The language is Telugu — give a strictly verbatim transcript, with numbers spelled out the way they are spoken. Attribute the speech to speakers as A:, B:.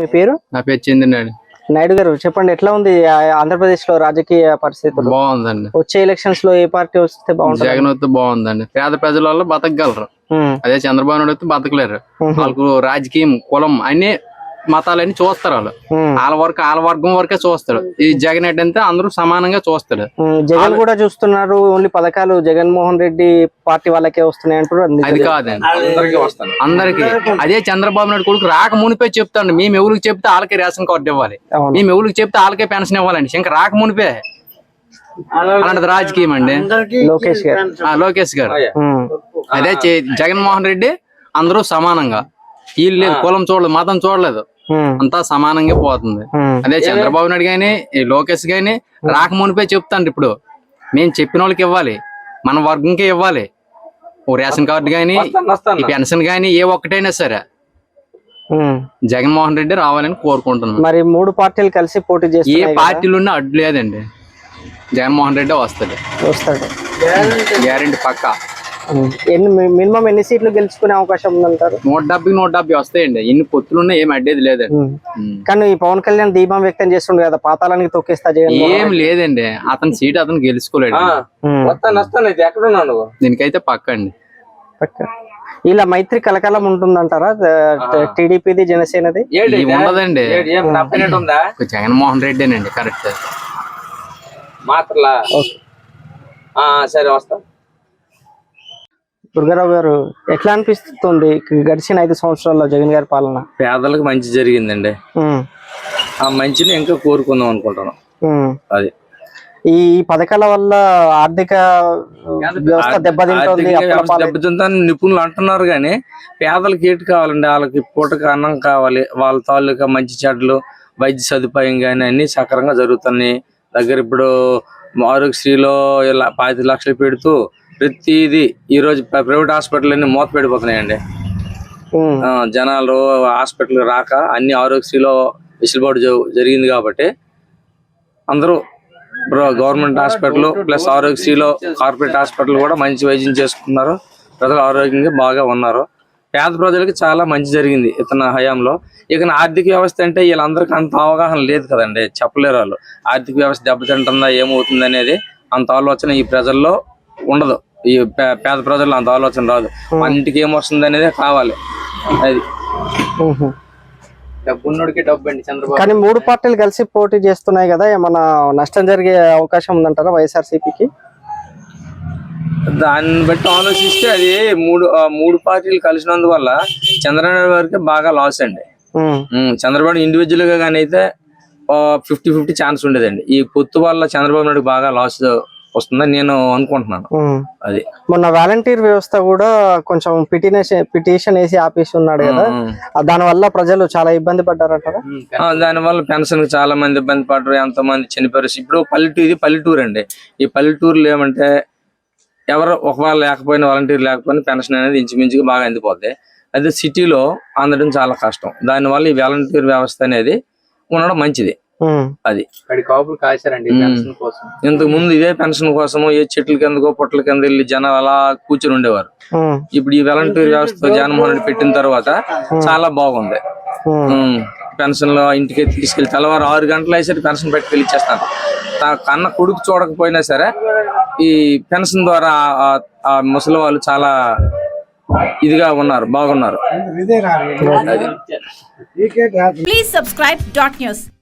A: మీ పేరు?
B: నా పేరు చంద్రనాయుడు.
A: నాయుడు గారు చెప్పండి, ఎట్లా ఉంది ఆంధ్రప్రదేశ్ లో రాజకీయ పరిస్థితులు?
B: బాగుందండి.
A: వచ్చే ఎలక్షన్స్ లో ఏ పార్టీ వస్తే బాగుంటుంది?
B: జగన్ వస్తే బాగుందండి. పేద ప్రజల వల్ల బతకగలరు. అదే చంద్రబాబు నాయుడు వస్తే బతకలేరు. వాళ్ళకు రాజకీయం, కులం అన్ని మతాలన్నీ చూస్తారు. వాళ్ళు వాళ్ళ వరకు వాళ్ళ వర్గం వరకే చూస్తాడు. ఈ జగన్ రెడ్డి అంటే అందరూ సమానంగా చూస్తాడు.
A: జగన్ కూడా చూస్తున్నారు. ఓన్లీ పథకాలు జగన్మోహన్ రెడ్డి పార్టీ వాళ్ళకే వస్తున్నాయి అంటారు.
B: అది కాదండి, అందరికి. అదే చంద్రబాబు నాయుడు కొడుకు రాక మునిపే చెప్తాండి, మేము ఎవరికి చెప్తే వాళ్ళకే రేషన్ కార్డు ఇవ్వాలి, మేము ఎవరికి చెప్తే వాళ్ళకే పెన్షన్ ఇవ్వాలండి. ఇంకా రాక మునిపే అలాంటిది రాజకీయం అండి.
A: లోకేష్ గారు
B: లోకేష్ గారు అదే జగన్మోహన్ రెడ్డి అందరూ సమానంగా, వీళ్ళు లేదు కులం చూడలేదు, మతం చూడలేదు, అంతా సమానంగా పోతుంది. అదే చంద్రబాబు నాయుడు గాని లోకేష్ గాని రాక మునిపే చెప్తాండి, ఇప్పుడు మేము చెప్పిన వాళ్ళకి ఇవ్వాలి, మన వర్గంకే ఇవ్వాలి. ఓ రేషన్ కార్డు గాని ఈ పెన్షన్ గాని ఏ ఒక్కటైనా సరే జగన్మోహన్ రెడ్డి రావాలని కోరుకుంటున్నాం.
A: మరి మూడు పార్టీలు కలిసి పోటీ చేస్తే
B: ఏ పార్టీలు ఉన్నా అడ్డు లేదండి, జగన్మోహన్ రెడ్డి వస్తాడు
A: వస్తాడు
B: గ్యారెంటీ పక్కా.
A: ఎన్ని మినిమం ఎన్ని సీట్లు గెలుచుకునే అవకాశం ఉందంటారు?
B: నూట డెబ్బై నూట డెబ్బై వస్తాయండి. ఎన్ని పొత్తులున్నా ఏం అడ్డేది లేదండి.
A: కానీ ఈ పవన్ కళ్యాణ్ దీపం వ్యక్తం చేస్తుండే కదా, పాతాళానికి తొక్కేస్తా జగన్.
B: ఏం లేదండి, అతని సీట్ అతను గెలుచుకోలేడు. దీనికైతే పక్క అండి.
A: ఇలా మైత్రి కలకాలం ఉంటుందంటారా టీడీపీది జనసేనది?
B: ఉండదండి, జగన్మోహన్ రెడ్డినండి కరెక్ట్.
C: సరే వస్తా.
A: దుర్గారావు గారు, ఎట్లా అనిపిస్తుంది గడిచిన ఐదు సంవత్సరాల్లో జగన్ గారి పాలన?
C: పేదలకు మంచి జరిగిందండి. ఆ మంచిని ఇంకా కోరుకుందాం అనుకుంటున్నాం. అది
A: ఈ పథకాల వల్ల ఆర్థిక వ్యవస్థ దెబ్బతింటుంది
C: దెబ్బతిందని నిపుణులు అంటున్నారు. కానీ పేదలకు ఏటి కావాలండి, వాళ్ళకి పూటకు అన్నం కావాలి, వాళ్ళ తాలూకా మంచి చెడ్లు వైద్య సదుపాయం కానీ అన్ని సక్రంగా జరుగుతున్నాయి. దగ్గర ఇప్పుడు ఆరోగ్యశ్రీలో ఇలా పాతి లక్షలు పెడుతూ ప్రతిదీ ఈ రోజు ప్రైవేట్ హాస్పిటల్ అన్ని మూత పెడిపోతున్నాయండి. జనాలు హాస్పిటల్ రాక అన్ని ఆరోగ్యశ్రీలో వెసులుబాటు జరిగింది కాబట్టి అందరూ గవర్నమెంట్ హాస్పిటల్ ప్లస్ ఆరోగ్యశ్రీలో కార్పొరేట్ హాస్పిటల్ కూడా మంచి వైద్యం చేసుకున్నారు. ప్రజలు ఆరోగ్యంగా బాగా ఉన్నారు. పేద ప్రజలకి చాలా మంచి జరిగింది ఇతని హయాంలో. ఇక ఆర్థిక వ్యవస్థ అంటే వీళ్ళందరికీ అంత అవగాహన లేదు కదండి, చెప్పలేరు వాళ్ళు. ఆర్థిక వ్యవస్థ దెబ్బతింటుందా ఏమవుతుంది అనేది అంత ఆలోచన ఈ ప్రజల్లో ఉండదు. ఈ పేద ప్రజల్లో అంత ఆలోచన రాదు. మన ఇంటికి ఏమొస్తుంది అనేది కావాలి. అది
B: డబ్బున్నోడికి డబ్బు అండి చంద్రబాబు.
A: కానీ మూడు పార్టీలు కలిసి పోటీ చేస్తున్నాయి కదా, ఏమన్నా నష్టం జరిగే అవకాశం ఉందంటారా వైఎస్ఆర్సీపీకి?
C: దాన్ని బట్టి ఆలోచిస్తే అది మూడు మూడు పార్టీలు కలిసినందువల్ల చంద్రబాబు గారికి బాగా లాస్ అండి. చంద్రబాబు ఇండివిజువల్ గా కానీ అయితే ఫిఫ్టీ ఫిఫ్టీ ఛాన్స్ ఉండేదండి. ఈ పొత్తు వల్ల చంద్రబాబు నాయుడు బాగా లాస్ వస్తుందని నేను అనుకుంటున్నాను. అది
A: మొన్న వాలంటీర్ వ్యవస్థ కూడా కొంచెం పిటిషన్ పిటిషన్ వేసి ఆపేసి ఉన్నాడు కదా, దాని వల్ల ప్రజలు చాలా ఇబ్బంది పడ్డారంటారా?
C: దాని వల్ల పెన్షన్ కి చాలా మంది ఇబ్బంది పడ్డారు, ఎంతో మంది చనిపోయారు. ఇప్పుడు పల్లెటూరు ఇది పల్లెటూరు అండి. ఈ పల్లెటూరులో ఏమంటే ఎవరు ఒకవేళ లేకపోయినా వాలంటీర్ లేకపోయినా పెన్షన్ అనేది ఇంచుమించుగా బాగా అందిపోద్ది. అదే సిటీలో అందడం చాలా కష్టం. దానివల్ల ఈ వాలంటీర్ వ్యవస్థ అనేది ఉండడం మంచిది. అది ఇంతకు ముందు ఇదే పెన్షన్ కోసము ఏ చెట్ల కిందకో పుట్ల కింద వెళ్ళి జనాలు అలా కూర్చొని ఉండేవారు. ఇప్పుడు ఈ వాలంటీర్ వ్యవస్థ జగన్మోహన్ రెడ్డి పెట్టిన తర్వాత చాలా బాగుంది. పెన్షన్ లో ఇంటికి తీసుకెళ్లి తెల్లవారు ఆరు గంటలు అయ్యేసరికి పెన్షన్ పెట్టుకెళ్ళి ఇచ్చేస్తాను. కన్న కొడుకు చూడకపోయినా సరే ఈ పెన్షన్ ద్వారా ఆ ముసలి వాళ్ళు చాలా ఇదిగా ఉన్నారు, బాగున్నారు.
D: Please subscribe dot news.